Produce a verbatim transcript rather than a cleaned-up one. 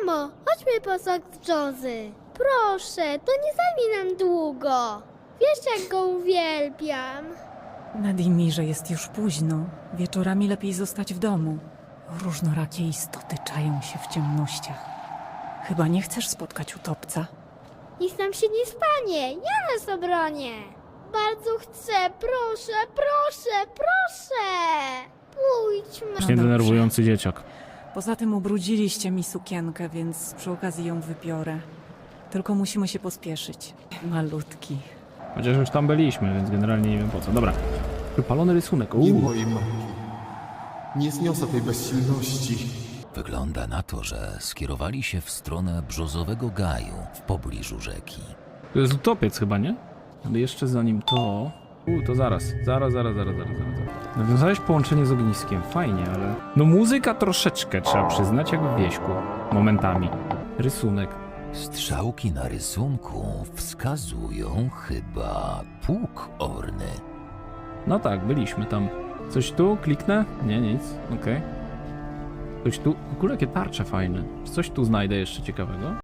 Mamo, chodźmy po sok z Jozy. Proszę, to nie zajmie nam długo. Wiesz, jak go uwielbiam. Nadimirze, jest już późno. Wieczorami lepiej zostać w domu. Różnorakie istoty czają się w ciemnościach. Chyba nie chcesz spotkać utopca? Nic nam się nie stanie, ja nas obronię. Bardzo chcę, proszę, proszę, proszę. Pójdźmy. Właśnie No dobrze. denerwujący dzieciak. Poza tym ubrudziliście mi sukienkę, więc przy okazji ją wybiorę. Tylko musimy się pospieszyć. Malutki. Chociaż już tam byliśmy, więc generalnie nie wiem po co. Dobra. Wypalony rysunek. Nie Uuu. mojej matki. Nie zniosę tej bezsilności. Wygląda na to, że skierowali się w stronę brzozowego gaju w pobliżu rzeki. To jest utopiec chyba, nie? Ale jeszcze zanim to... U, to zaraz. Zaraz, zaraz, zaraz, zaraz, zaraz. Nawiązałeś połączenie z ogniskiem. Fajnie, ale... No muzyka troszeczkę, trzeba przyznać, jak w wieśku. Momentami. Rysunek. Strzałki na rysunku wskazują chyba pług orny. No tak, byliśmy tam. Coś tu? Kliknę? Nie, nic. Okej. Coś tu? W ogóle jakie tarcze fajne. Czy coś tu znajdę jeszcze ciekawego?